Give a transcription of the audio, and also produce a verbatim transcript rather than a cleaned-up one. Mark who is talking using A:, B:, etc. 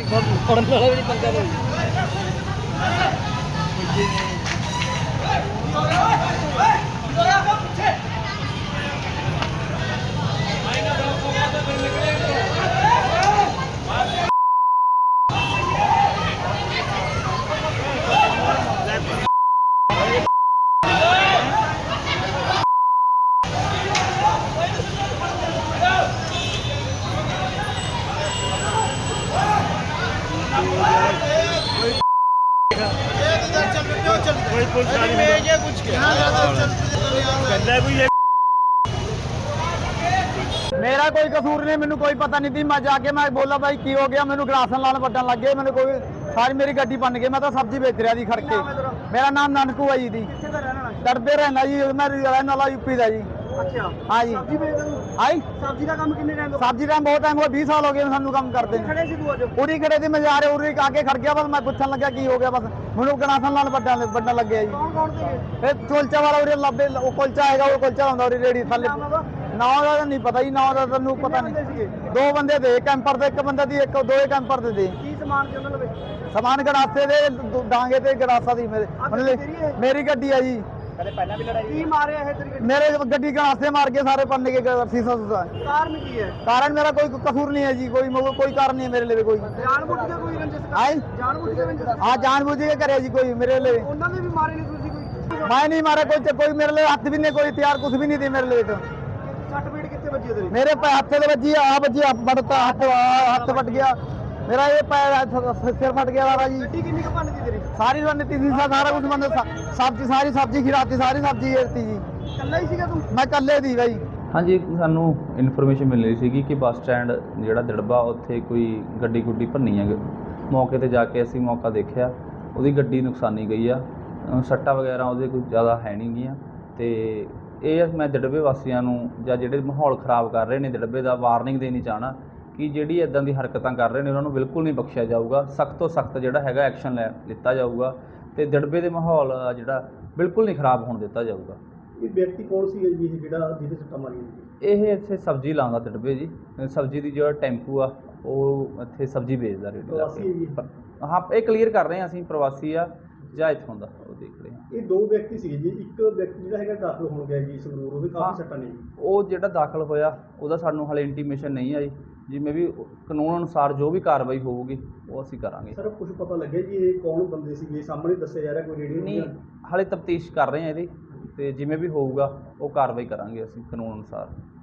A: ਫੜਨ ਵਾਲਾ ਵੀ ਨਹੀਂ ਪੰਗਾ ਤਾਂ
B: मेरा कोई कसूर नहीं, मैंने कोई पता नहीं थी। मैं जाके मैं बोला भाई की हो गया, मैंने गलासन लाल बटन लग गए, मैंने कोई सारी मेरी गड्डी बन गई। मैं तो सब्जी बेच रहा थी खड़ के। मेरा नाम नानकू है जी, डरते रहना जी, मैं रहने वाला यूपी का जी।
C: अच्छा
B: हाँ जी।
C: सब्जी बेचदा तूं?
B: आई
C: सब्जी का काम किन्ने टाइम
B: सब्जी टाइम बहुत टाइम हो गया, बीस साल हो गए सानू काम करते हैं।
C: खड़े सी तू अज
B: पूरी खड़े थी, मैं जा रहे उरी आके खड़ गया, बस मैं पूछन लगा की हो गया, बस मैंने गलासन लाल बटन बटन लग गया जी।
C: कौन कौन थे
B: ਇਹ ਕੁਲਚਾ ਵਾਲਾ ਉਰੇ ਲੱਭੇ, ਉਹ ਕੁਲਚਾ ਹੈਗਾ, ਉਹ ਕੁਲਚਾ ਹੁੰਦਾ ਉਰੇ ਰੇੜੀ ਥੱਲੇ।
C: ਨਾਮ ਉਹਦਾ?
B: ਨਾ ਉਹਦਾ ਤਾਂ ਨਹੀਂ ਪਤਾ ਜੀ, ਨਾ ਉਹਦਾ ਤੈਨੂੰ ਪਤਾ
C: ਬੰਦੇ ਸੀਗੇ?
B: ਨਹੀਂ। ਦੋ ਬੰਦੇ ਦੇ ਕੈਂਪਰ ਦੇ, ਇੱਕ ਬੰਦੇ ਦੀ ਇੱਕ ਦੋ ਹੀ ਕੈਂਪਰ ਦੇ ਦੇ
C: ਕੀ ਸਮਾਨ ਸੀ ਉਹਨਾਂ ਲਵੇ?
B: ਸਮਾਨ ਗੜਾਸੇ ਦੇ ਦ- ਡਾਂਗੇ ਤੇ ਗੜਾਸਾ ਦੀ ਮੇਰੇ
C: ਆਹ
B: ਮਤਲਬ
C: ਗੱਡੀ ਤੇਰੀ ਹੈ?
B: ਮੇਰੀ ਗੱਡੀ ਆ ਜੀ।
C: ਕਦੇ ਪਹਿਲਾਂ ਵੀ ਲੜਾਈ ਕੀ ਮਾਰਿਆ ਇਹ ਤੇਰੀ ਗੱਡੀ?
B: ਮੇਰੇ ਗੱਡੀ ਗੜਾਸੇ ਮਾਰ ਕੇ ਸਾਰੇ ਪੰਨੇ ਕੇ ਸੀਸਾ ਸੂਸਾ।
C: ਕਾਰਨ ਕੀ ਹੈ?
B: ਕਾਰਨ ਮੇਰਾ ਕੋਈ ਕਸੂਰ ਨਹੀਂ ਹੈ ਜੀ, ਕੋਈ ਮਤਲਬ ਕੋਈ ਕਾਰਨ ਨਹੀਂ ਹੈ ਮੇਰੇ ਲਈ ਕੋਈ।
C: ਜਾਣਬੁੱਝ ਕੇ ਕੋਈ ਰੰਜਿਸ਼ ਕਰ
B: ਆਈ
C: ਜਾਣਬੁੱਝ ਕੇ ਰੰਜਿਸ਼
B: ਹਾਂ ਜਾਣ ਬੁੱਝ ਕੇ ਕਰਿਆ ਜੀ ਕੋਈ ਮੇਰੇ ਲਈ।
C: ਉਹਨਾਂ ਨੇ ਵੀ ਮਾਰੇ ਨਹੀਂ ਤੁਸੀਂ ਕੋਈ
B: ਮੈਂ ਨਹੀਂ ਮਾਰਿਆ ਕੋਈ, ਕੋਈ ਮੇਰੇ ਲਈ ਹੱਥ ਵੀ ਨਹੀਂ, ਕੋਈ ਹਥਿਆਰ ਕੁਝ ਵੀ ਨਹੀਂ ਦੀ ਮੇਰੇ ਲਈ। ਤਾਂ
C: ਸੱਟ ਪੀੜ ਕਿੱਥੇ ਵੱਜੀ ਤੇਰੀ?
B: ਮੇਰੇ ਪੈ ਹੱਥੇ ਦੇ ਵੱਜੀ ਆ ਵੱਜੀ ਆ ਫੜਤਾ ਹੱਥ ਆਹ ਹੱਥ ਫਟ ਗਿਆ ਮੇਰਾ, ਇਹ ਪੈਰ ਹੱਥ- ਸਿਰ ਫਟ ਗਿਆ ਵਾਰਾ ਜੀ।
C: ਗੱਡੀ ਕਿੰਨੀ ਕੁ ਭੰਨ ਗਈ ਤੇਰੀ?
B: ਸਾਰੀ ਰਣਨੀਤੀ ਸੀ, ਸਾਰਾ ਕੁਝ ਬੰਦ, ਸਬਜ਼ੀ ਸਾਰੀ ਸਬਜ਼ੀ ਖਿਰਾਤੀ, ਸਾਰੀ ਸਬਜ਼ੀ ਏਰਤੀ ਜੀ।
C: ਇਕੱਲਾ ਹੀ ਸੀਗਾ ਤੂੰ?
B: ਮੈਂ ਇਕੱਲੇ ਦੀ ਬਾਈ।
D: ਹਾਂਜੀ, ਸਾਨੂੰ ਇਨਫੋਰਮੇਸ਼ਨ ਮਿਲ ਰਹੀ ਸੀਗੀ ਕਿ ਬੱਸ ਸਟੈਂਡ ਜਿਹੜਾ ਦਿੜਬਾ ਉੱਥੇ ਕੋਈ ਗੱਡੀ ਗੁੱਡੀ ਭੰਨੀ ਹੈ। ਮੌਕੇ ਤੇ ਜਾ ਕੇ ਅਸੀਂ ਮੌਕਾ ਦੇਖਿਆ, ਉਹਦੀ ਗੱਡੀ ਨੁਕਸਾਨੀ ਗਈ ਆ, ਅ, ਸੱਟਾਂ ਵਗੈਰਾ ਉਹਦੇ ਕੋਈ ਜ਼ਿਆਦਾ ਹੈ ਨਹੀਂ ਗੀਆਂ। ਤੇ ਇਹ ਮੈਂ ਦਿੜਬੇ ਵਾਸੀਆਂ ਨੂੰ ਜਾਂ ਜਿਹੜੇ ਮਾਹੌਲ ਖਰਾਬ ਕਰ ਰਹੇ ਨੇ ਦਿੜਬੇ ਦਾ, ਵਾਰਨਿੰਗ ਦੇਣੀ ਚਾਹਣਾ ਕਿ ਜਿਹੜੀ ਇੱਦਾਂ ਦੀ ਹਰਕਤਾਂ ਕਰ ਰਹੇ ਨੇ ਉਹਨਾਂ ਨੂੰ ਬਿਲਕੁਲ ਨਹੀਂ ਬਖਸ਼ਿਆ ਜਾਊਗਾ। ਸਖਤ ਤੋਂ ਸਖਤ ਜਿਹੜਾ ਹੈਗਾ ਐਕਸ਼ਨ ਲੈ ਲਿੱਤਾ ਜਾਊਗਾ ਤੇ ਦਿੜਬੇ ਦੇ ਮਾਹੌਲ ਆ ਜਿਹੜਾ ਬਿਲਕੁਲ ਨਹੀਂ ਖਰਾਬ ਹੋਣ ਦਿੱਤਾ ਜਾਊਗਾ।
C: ਇਹ ਵਿਅਕਤੀ ਕੌਣ ਸੀ ਜੀ ਇਹ ਜਿਹੜਾ ਜਿਹਦੇ ਸੱਟਾਂ ਮਾਰੀਆਂ ਨੇ?
D: ਇਹ ਇੱਥੇ ਸਬਜ਼ੀ ਲਾਉਂਦਾ ਦਿੜਬੇ ਜੀ, ਸਬਜ਼ੀ ਦੀ ਜਿਹੜਾ ਟੈਂਪੂ ਆ ਉਹ ਇੱਥੇ ਸਬਜ਼ੀ ਵੇਚਦਾ ਰੇੜੀ ਲਾ
C: ਪ੍ਰਵਾਸੀ ਹੈ ਜੀ?
D: ਕੇ। ਹਾਂ, ਇਹ ਕਲੀਅਰ ਕਰ ਰਹੇ ਹਾਂ ਅਸੀਂ ਪ੍ਰਵਾਸੀ ਆ ਜਾਂ ਇੱਥੋਂ ਦਾ, ਉਹ ਦੇਖ ਰਹੇ ਹਾਂ।
C: ਇਹ ਦੋ ਵਿਅਕਤੀ ਸੀਗੇ ਜੀ, ਇੱਕ ਵਿਅਕਤੀ ਜਿਹੜਾ ਹੈਗਾ ਦਾਖਲ ਹੋਣ ਗਿਆ ਜੀ ਸੰਗਰੂਰ, ਉਹਦੇ
D: ਹਾਂ।
C: ਕਾਫੀ ਸੱਟਾਂ ਨੇ ਜੀ।
D: ਉਹ ਜਿਹੜਾ ਦਾਖਲ ਹੋਇਆ ਉਹਦਾ ਸਾਨੂੰ ਹਾਲੇ ਇੰਟੀਮੇਸ਼ਨ ਨਹੀਂ ਆਈ, ਜਿਵੇਂ ਵੀ ਕਾਨੂੰਨ ਅਨੁਸਾਰ ਜੋ ਵੀ ਕਾਰਵਾਈ ਹੋਊਗੀ ਉਹ ਅਸੀਂ ਕਰਾਂਗੇ।
C: ਸਰ ਕੁਝ ਪਤਾ ਲੱਗਿਆ ਜੀ ਇਹ ਕੌਣ ਬੰਦੇ ਸੀਗੇ? ਸਾਹਮਣੇ ਦੱਸਿਆ ਜਾ ਰਿਹਾ ਕੋਈ ਰੇਡੀਓ
D: ਨਹੀਂ, ਹਾਲੇ ਤਫਤੀਸ਼ ਕਰ ਰਹੇ ਹਾਂ ਇਹਦੀ, ਤੇ ਜਿਵੇਂ ਵੀ ਹੋਊਗਾ ਉਹ ਕਾਰਵਾਈ ਕਰਾਂਗੇ ਅਸੀਂ ਕਾਨੂੰਨ ਅਨੁਸਾਰ।